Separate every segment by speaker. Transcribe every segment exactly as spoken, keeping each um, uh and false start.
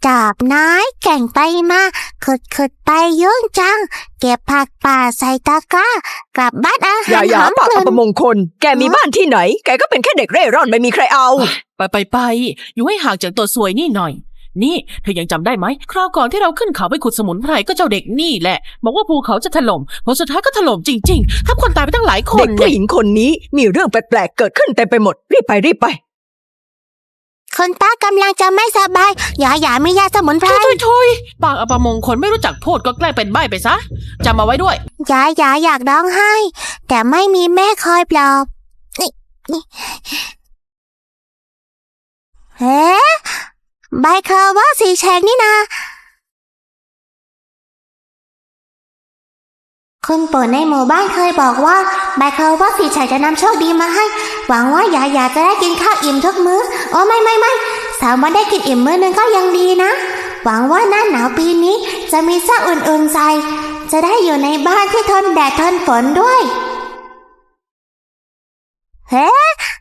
Speaker 1: ดาบไม้แก่งไปมาขุดขุดไปยุ่งจังเก็บผักป่าใส่ตะกร้ากลับบ้านอาหาร
Speaker 2: อย่าอย่าปากอัปมงคลแกมีบ้านที่ไหนแกก็เป็นแค่เด็กเร่ร่อนไม่มีใครเอา
Speaker 3: ไปไปไปอยู่ให้ห่างจากตัวซวยนี่หน่อยนี่เธอยังจำได้ไหมคราวก่อนที่เราขึ้นเขาไปขุดสมุนไพรก็เจ้าเด็กนี่แหละบอกว่าภูเขาจะถล่มผลสุดท้ายก็ถล่มจริงๆทับคนตายไปตั้งหลายคน
Speaker 2: เด็กผู้หญิงคนนี้มีเรื่องแปลกๆเกิดขึ้นเต็มไปหมดรีบไปรีบไป
Speaker 1: คนป้ากำลังจะไม่สบายอย่าอย่าไม่ยาสมุนไพร
Speaker 3: ทุยทุยปากอัปมงคลไม่รู้จักพูดก็แกล้งเป็นใบ้ไปซะจำมาไว้ด้วย
Speaker 1: อย่าอย่าอยากร้องไห้แต่ไม่มีแม่คอยปลอบนี่นี่เฮ้ใบคาว่าสีแฉกนี่นาคุณปู่ในหมู่บ้านเคยบอกว่าใบคาว่าสีแฉกจะนำโชคดีมาให้หวังว่าอย่าอย่าจะได้กินข้าวอิ่มทุกมื้อโอ้ไม่ไม่ไม่สามวันได้กินอิ่มมื้อนึงก็ยังดีนะหวังว่าหน้าหนาวปีนี้จะมีเสื้ออุ่นๆใส่จะได้อยู่ในบ้านที่ทนแดดทนฝนด้วยเฮ้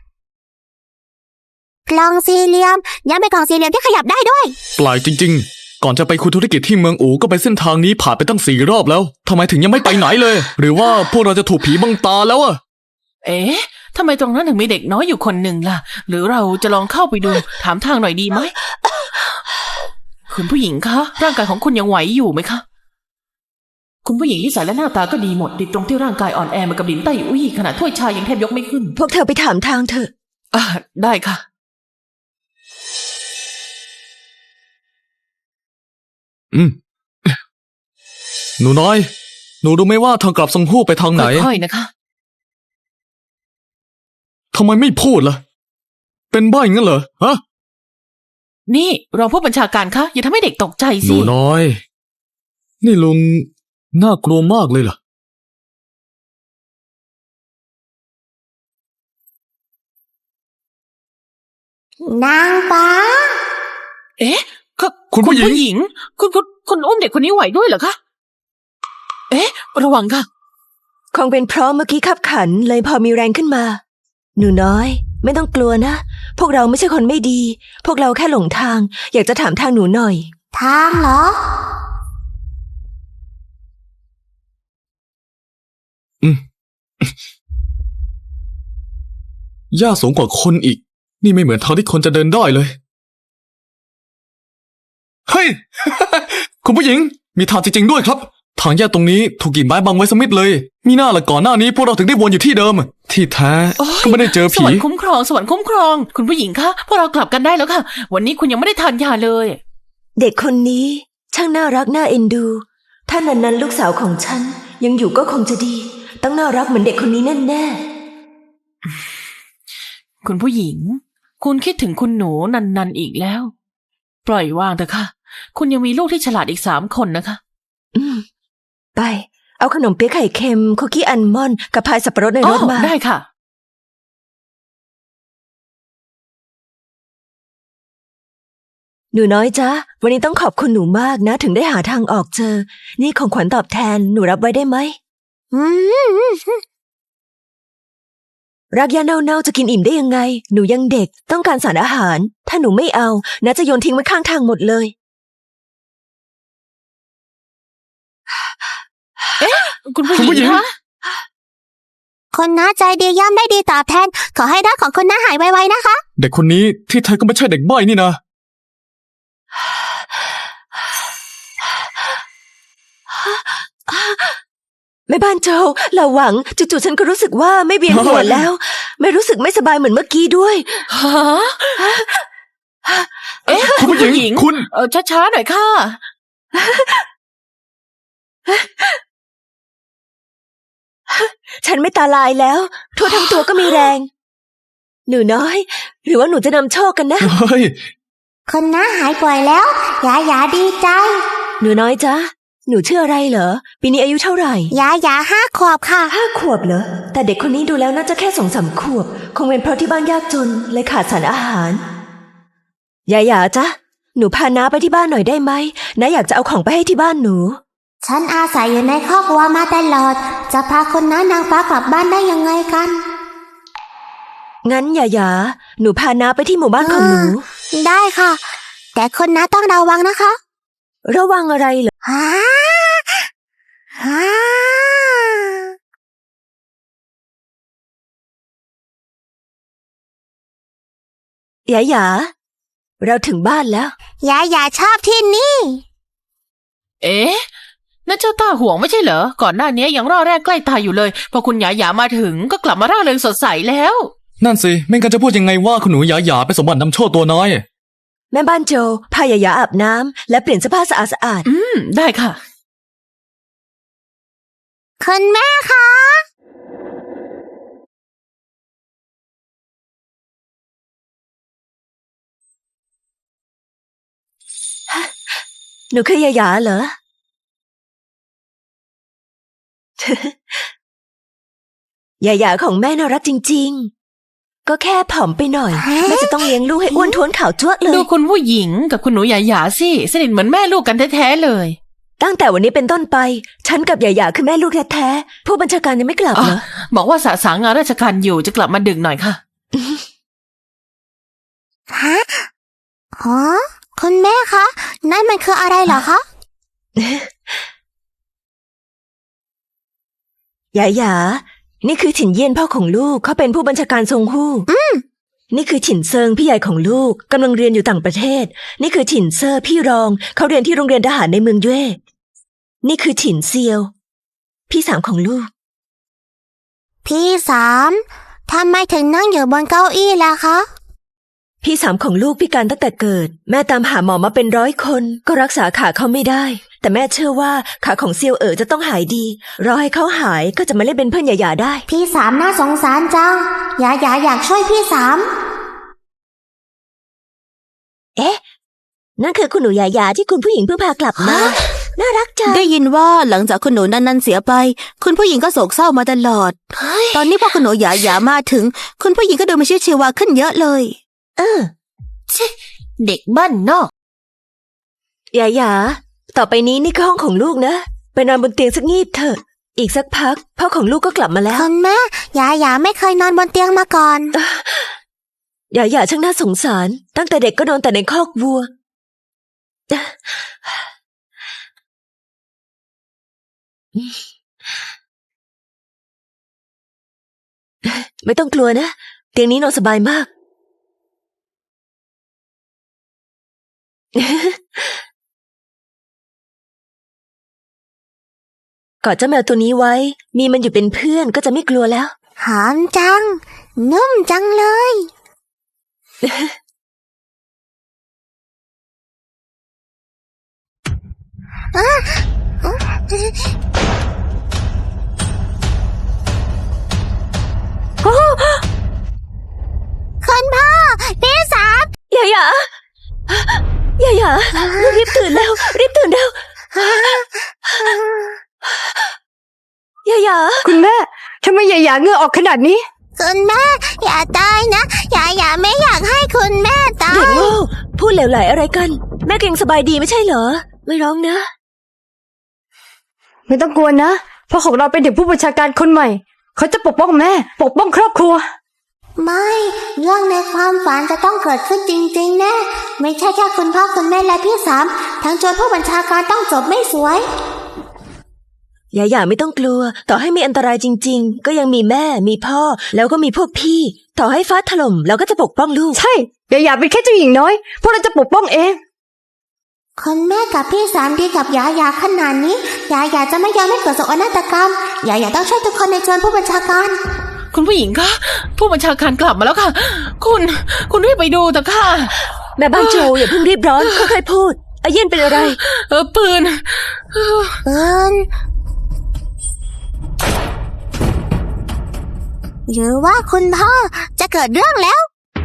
Speaker 1: กล่องสี่เหลี่ยมยังเป็นกล่องสี่เหลี่ยมที่ขยับได้ด้วย
Speaker 4: แปลกจริงๆก่อนจะไปคุยธุรกิจที่เมืองอู่ก็ไปเส้นทางนี้ผ่านไปตั้งสี่รอบแล้วทำไมถึงยังไม่ไปไหนเลยหรือว่าพวกเราจะถูกผีบังตาแล้วอะ
Speaker 3: เอ๊ะทำไมตรงนั้นถึงมีเด็กน้อยอยู่คนหนึ่งล่ะหรือเราจะลองเข้าไปดูถามทางหน่อยดีไหมคุณผู้หญิงคะร่างกายของคุณยังไหวอยู่ไหมคะคุณผู้หญิงนิสัยและหน้าตาก็ดีหมดติดตรงที่ร่างกายอ่อนแอเหมือนกับดินใต้อุ้ยขนาดถ้วยชายังแทบยกไม่ขึ้น
Speaker 2: พวกเธอไปถามทางเถอะ
Speaker 3: อ่าได้ค่ะ
Speaker 4: อืมหนูน้อยหนูรู้ไหมว่าทางกลับซังฮู้ไปทางไหน
Speaker 3: ค่อยๆนะคะ
Speaker 4: ทำไมไม่พูดล่ะเป็นบ้าอย่างนั้นเหรอฮะ
Speaker 3: นี่รองผู้บัญชาการคะอย่าทำให้เด็กตกใจสิ
Speaker 4: หนูน้อยนี่ลุงน่ากลัวมากเลยเหร
Speaker 1: อนางฟ้า
Speaker 3: เอ๊ะคุณผู้หญิงคุณคุณคุณอุ้มเด็กคนนี้ไหวด้วยเหรอคะเอ๊ะระวังค่ะ
Speaker 2: คงเป็นเพราะเมื่อกี้ขับขันเลยพอมีแรงขึ้นมาหนูน้อยไม่ต้องกลัวนะพวกเราไม่ใช่คนไม่ดีพวกเราแค่หลงทางอยากจะถามทางหนูหน่อย
Speaker 1: ทางเหรอ
Speaker 4: อืมหญ้าสูงกว่าคนอีกนี่ไม่เหมือนทางที่คนจะเดินได้เลยเฮ้ย คุณผู้หญิงมีทางจริงๆด้วยครับทางแยกตรงนี้ถูกกิ่งไม้บังไว้สมิธเลยมีหน้าละก่อนหน้านี้พวกเราถึงได้วนอยู่ที่เดิมที่แท้ก็ไม่ได้เจอผี
Speaker 3: สวรรค์คุ้มครองสวรรค์คุ้มครองคุณผู้หญิงคะพวกเรากลับกันได้แล้วค่ะวันนี้คุณยังไม่ได้ทานยาเลย
Speaker 2: เด็กคนนี้ช่างน่ารักน่าเอ็นดูถ้านั้นๆลูกสาวของฉันยังอยู่ก็คงจะดีต้องน่ารักเหมือนเด็กคนนี้แน่
Speaker 3: ๆคุณผู้หญิงคุณคิดถึงคุณหนูนันๆอีกแล้วปล่อยวางเถอะค่ะคุณยังมีลูกที่ฉลาดอีกสามคนนะคะ
Speaker 2: อืมไปเอาขนมเปี๊ยะไข่เค็มคุกกี้อัลมอนด์กับพายสับปะรดในรถมา
Speaker 3: ได้ค่ะ
Speaker 2: หนูน้อยจ๊ะวันนี้ต้องขอบคุณหนูมากนะถึงได้หาทางออกเจอนี่ของขวัญตอบแทนหนูรับไว้ได้ไหมรักยาเน่าๆจะกินอิ่มได้ยังไงหนูยังเด็กต้องการสารอาหารถ้าหนูไม่เอาน้าจะโยนทิ้งไว้ข้างทางหมดเลย
Speaker 3: เอ๊ะคุณผู้หญิงคะ
Speaker 1: คนน้าใจดีย่อมได้ดีตอบแทนขอให้รักของคุณน้าหายไวๆนะคะ
Speaker 4: เด็กคนนี้ที่แท้ก็ไม่ใช่เด็กใบ้นี่นะ
Speaker 2: แม่บ้านโจเราหวังจู่ๆฉันก็รู้สึกว่าไม่เวียนหัวแล้วไม่รู้สึกไม่สบายเหมือนเมื่อกี้ด้วย
Speaker 3: ฮะเอ๊ะคุณผู้หญิงคุณเออช้าๆหน่อยค่ะ
Speaker 2: ฉันไม่ตาลายแล้วทั่วทั้งตัวก็มีแรงหนูน้อยหรือว่าหนูจะนำโชคกันนะ
Speaker 1: คนน้าหายป่วยแล้วยาหยาดีใจ
Speaker 2: หนูน้อยจ๊ะหนูชื่ออะไรเหรอปีนี้อายุเท่าไหร่
Speaker 1: ยาหยาห้าขวบค่ะ
Speaker 2: ห้าขวบเหรอแต่เด็กคนนี้ดูแล้วน่าจะแค่สองสามขวบคงเป็นเพราะที่บ้านยากจนเลยขาดสารอาหารยาหยาจ๊ะหนูพาน้าไปที่บ้านหน่อยได้ไหมน้าอยากจะเอาของไปให้ที่บ้านหนู
Speaker 1: ฉันอาศัยอยู่ในครอบครัวมาตลอดจะพาคนน้านางฟ้ากลับบ้านได้ยังไงกัน
Speaker 2: งั้นหยาหยาหนูพาน้าไปที่หมู่บ้านของหนู
Speaker 1: ได้ค่ะแต่คุณน้าต้องระวังนะคะ
Speaker 2: ระวังอะไรเหรอ
Speaker 1: ฮ่าฮ่า
Speaker 2: หยาหยาเราถึงบ้านแล้ว
Speaker 1: ยายาชอบที่นี่
Speaker 3: เอ๊ะนั่นเจ้าต้าห่วงไม่ใช่เหรอ ก่อนหน้านี้ยังร่อแรกใกล้ตายอยู่เลย พอคุณหยาหยามาถึงก็กลับมาร่าเริงสดใสแล้ว
Speaker 4: นั่นสิไม่งั้นจะพูดยังไงว่าคุณหนูหยาหยาเป็นสมบัตินำโชคตัวน้อย
Speaker 2: แม่บ้านโจพาหยาหยาอาบน้ำและเปลี่ยนเสื้อผ้าสะอาดสะอาด
Speaker 3: อืม ได้ค่ะ
Speaker 1: คุณแม่คะ
Speaker 2: หนูคือหยาหยาเหรอ หยาหยาของแม่น่ารักจริงๆ ก็แค่ผอมไปหน่อย แม่จะต้องเลี้ยงลูกให้อ้วนท้วนขาวจ้วะเล
Speaker 3: ดู
Speaker 2: ย
Speaker 3: คุณผู้หญิงกับคุณหนูหยาหยาสิสนิทเหมือนแม่ลูกกันแท้ๆเลย
Speaker 2: ตั้งแต่วันนี้เป็นต้นไป ฉันกับหยาหยาคือแม่ลูกแท้ๆ ผู้บัญชาการยังไม่กลับ
Speaker 3: อ๋อ
Speaker 2: เหรอ
Speaker 3: บอกว่าสะสางงานราชการอยู่จะกลับมาดึกหน่อยค่ะ
Speaker 1: ฮะอ๋อคุณแม่คะ นั่นมันคืออะไรเหรอคะ
Speaker 2: หยาหยา นี่คือฉินเยี่ยนพ่อของลูก เขาเป็นผู้บัญชาการซงฮู้นี่คือฉินเซิงพี่ใหญ่ของลูกกำลังเรียนอยู่ต่างประเทศ นี่คือฉินเซอร์พี่รอง เขาเรียนที่โรงเรียนทหารในเมืองเย่นี่คือฉินเซียว พี่สามของลูก
Speaker 1: พี่สามทำไมถึงนั่งอยู่บนเก้าอี้ล่ะคะ
Speaker 2: พี่สามของลูกพิการตั้งแต่เกิด แม่ตามหาหมอมาเป็นร้อยคนก็รักษาขาเขาไม่ได้ แต่แม่เชื่อว่าขาของเซียวเอ๋อจะต้องหายดีรอให้เขาหายก็จะมาเล่นเป็นเพื่อนหยาหยาได้
Speaker 1: พี่สามน่าสงสารจังยายาอยากช่วยพี่สาม
Speaker 2: เอ๊ะ นั่นคือคุณหนูหยาหยาที่คุณผู้หญิงเพิ่งพากลับมา น่ารักจัง
Speaker 5: ได้ยินว่าหลังจากคุณหนูนันนันเสียไป คุณผู้หญิงก็โศกเศร้ามาตลอด ตอนนี้พอคุณหนูหยาหยามาถึง คุณผู้หญิงก็ดูมีชีวิตชีวาขึ้นเยอะเลย
Speaker 2: เออ
Speaker 3: เด็กบ้านนอก
Speaker 2: หยาหยาต่อไปนี้นี่คือห้องของลูกนะ ไปนอนบนเตียงสักงีบเถอะ อีกสักพักพ่อของลูกก็กลับมาแล้ว
Speaker 1: คุณแม่ยายาไม่เคยนอนบนเตียงมาก่อน
Speaker 2: หยาหยาช่างน่าสงสาร ตั้งแต่เด็กก็นอนแต่ในคอกวัว ไม่ต้องกลัวนะ เตียงนี้นอนสบายมาก กอดเจ้าแมวตัวนี้ไว้ มีมันอยู่เป็นเพื่อนก็จะไม่กลัวแล้ว
Speaker 1: หอมจัง นุ่มจังเลย คุณพ่อพี่สาม
Speaker 2: หยาหยาหยาหยาลูกรีบตื่นแล้ว รีบตื่นเร็วหยาหยา
Speaker 6: คุณแม่ทำไมหยาหยาเหงื่อออกขนาดนี้
Speaker 1: คุณแม่อย่าตายนะยายาไม่อยากให้คุณแม่ตา
Speaker 2: เด็ก
Speaker 1: ย
Speaker 2: โง่พูดเหลวไหลอะไรกัน แม่ก็ยังสบายดีไม่ใช่เหรอ ไม่ร้องนะ
Speaker 6: ไม่ต้องกลัวนะเพราะของเราเป็นถึงผู้บัญชาการคนใหม่ เขาจะปกป้องแม่ ปกป้องครอบครัว
Speaker 1: ไม่ เรื่องในความฝันจะต้องเกิดขึ้นจริงๆแน่ไม่ใช่แค่คุณพ่อคุณแม่และพี่สามทั้งโจรผู้บัญชาการต้องจบไม่สวย
Speaker 2: หยาหยาไม่ต้องกลัว ต่อให้มีอันตรายจริง ๆ ก็ยังมีแม่ มีพ่อ แล้วก็มีพวกพี่ ต่อให้ฟ้าถล่มเราก็จะปกป้องลูก
Speaker 6: ใช่หยาหยาเป็นแค่เจ้าหญิงน้อย พวกเราจะปกป้องเอง
Speaker 1: คุณแม่กับพี่สามดีกับยายาขนาดนี้ยายาจะไม่ยอมให้เกิดโศกนาฏกรรมยายาต้องช่วยทุกคนในโจรผู้บัญชาการ
Speaker 3: คุณผู้หญิงคะผู้บัญชาการกลับมาแล้วค่ะ คุณ คุณรีบไปดูเถอะค่ะ
Speaker 2: แม่บ้านโจอย่าเพิ่งรีบร้อนค่อยๆพูดอาเย็นเป็นอะไร
Speaker 3: เออปืน
Speaker 1: เอินหรือว่าคุณพ่อจะเกิดเรื่องแล้ว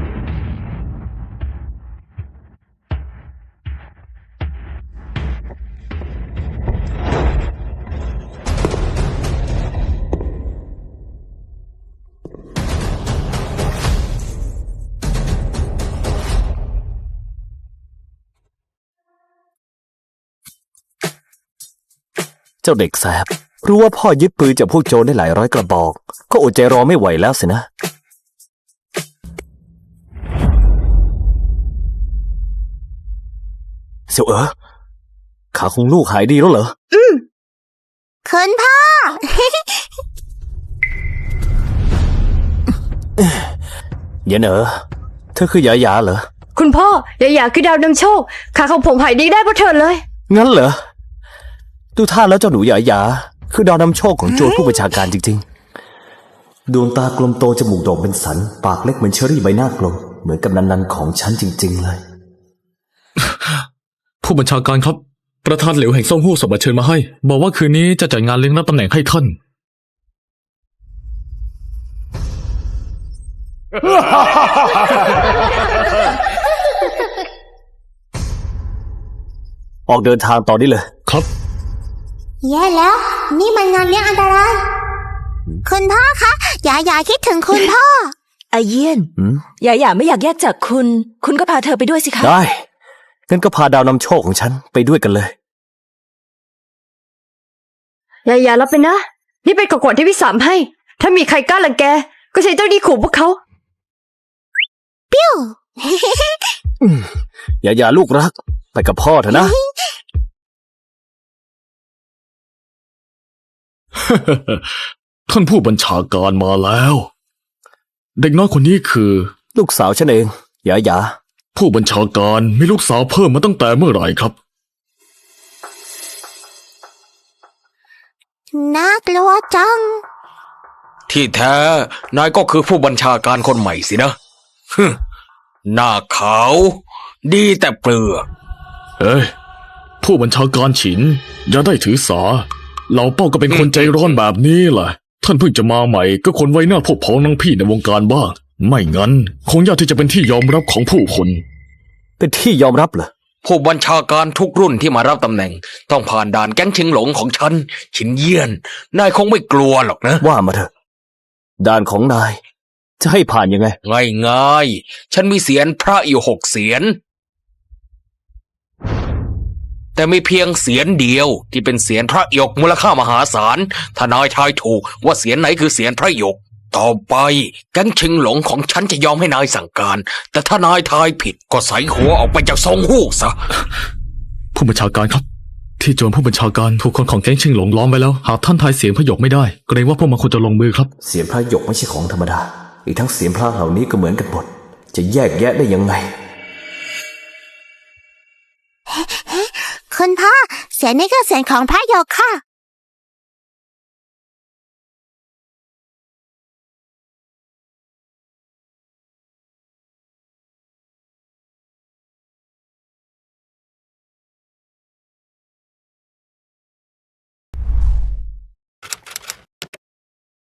Speaker 7: เจ้าเด็กแสบรู้ว่าพ่อยึดปืนจากพวกโจรได้หลายร้อยกระบอก ก็อดใจรอไม่ไหวแล้วสินะเสี่ยวเอ๋อขาของลูกหายดีแล้วเหรอ
Speaker 1: คุณพ่อ
Speaker 7: เย็นเอ๋อเธอคือหยาหยาเหรอ
Speaker 6: คุณพ่ออย่าอยากคือดาวนำโชคขาของผมหายดีได้เพราะเธอเลย
Speaker 7: งั้นเหรอ ดูท่าแล้วเจ้าหนูหยาหยาคือดาวนำโชคของโจรผู้บัญชาการจริงๆ ดวงตากลมโตจมูกโด่งเป็นสัน ปากเล็กเหมือนเชอรี่ใบหน้ากลม เหมือนกับนันนันของฉันจริงๆเลย
Speaker 4: ผู้บัญชาการครับ ประธานเหลวแห่งซ่งฮู้ส่งบัตรเชิญมาให้ บอกว่าคืนนี้จะจัดงานเลี้ยงรับตำแหน่งให้ท่าน
Speaker 7: ออกเดินทางต่อได้เลย
Speaker 4: ครับ
Speaker 1: แย่แล้ว นี่มันงานเลี้ยงอันตราย คุณพ่อคะหยาหยาคิดถึงคุณพ่อ
Speaker 2: อาเยี่ยน
Speaker 7: หืม
Speaker 2: อย่าอย่าไม่อยากแยกจากคุณ คุณก็พาเธอไปด้วยสิคะ
Speaker 7: ได้ งั้นก็พาดาวนำโชคของฉันไปด้วยกันเลย
Speaker 6: อย่าอย่ารับไปนะ นี่เป็นของขวัญที่พี่สามให้ ถ้ามีใครกล้ารังแก ก็ใช้เจ้าดีขู่พวกเขา
Speaker 7: อย่าอย่าลูกรัก ไปกับพ่อเถอะนะ
Speaker 4: ท่านผู้บัญชาการมาแล้ว เด็กน้อยคนนี้คือ
Speaker 7: ลูกสาวฉันเองหยาหยา
Speaker 4: ผู้บัญชาการมีลูกสาวเพิ่มมาตั้งแต่เมื่อไหร่ครับ
Speaker 1: น่ากลัวจัง
Speaker 8: ที่แท้ นายก็คือผู้บัญชาการคนใหม่สินะฮึหน้าขาว ดีแต่เปลือก
Speaker 4: เอ้ย ผู้บัญชาการฉิน อย่าได้ถือสา เหล่าเป้าก็เป็นคนใจร้อนแบบนี้แหละ ท่านเพิ่งจะมาใหม่ก็คนไว้หน้าพวกพ้องนังพี่ในวงการบ้าง ไม่งั้น คงยากที่จะเป็นที่ยอมรับของผู้คน
Speaker 7: เป็นที่ยอมรับเหรอ
Speaker 8: ผู้บัญชาการทุกรุ่นที่มารับตำแหน่ง ต้องผ่านด่านแก๊งชิงหลงของฉัน ฉินเยี่ยน นายคงไม่กลัวหรอกนะ
Speaker 7: ว่ามาเถอะ ด่านของนาย จะให้ผ่านยังไง
Speaker 8: ง่ายง่ายๆฉันมีเสียนพระอยู่หกเสียน แต่มีเพียงเสียนเดียวที่เป็นเสียนพระหยกมูลค่ามหาศาล ถ้านายทายถูกว่าเสียนไหนคือเสียนพระหยก ต่อไปแก๊งชิงหลงของฉันจะยอมให้นายสั่งการ แต่ถ้านายทายผิดก็ใส่หัวออกไปจากซองฮู้ซะ
Speaker 4: ผู้บัญชาการครับ ที่โจรผู้บัญชาการถูกคนของแก๊งชิงหลงล้อมไว้แล้ว หากท่านทายเสียงพยกไม่ได้เกรงว่าพวกมันควรจะลงมือครับ
Speaker 7: เสียงพระหยกไม่ใช่ของธรรมดา อีกทั้งเสียงพระเหล่านี้ก็เหมือนกันหมด จะแยกแยะได้ยังไง
Speaker 1: คุณพ่อ เสียงนี้ก็เสียงของพระโยกค่ะ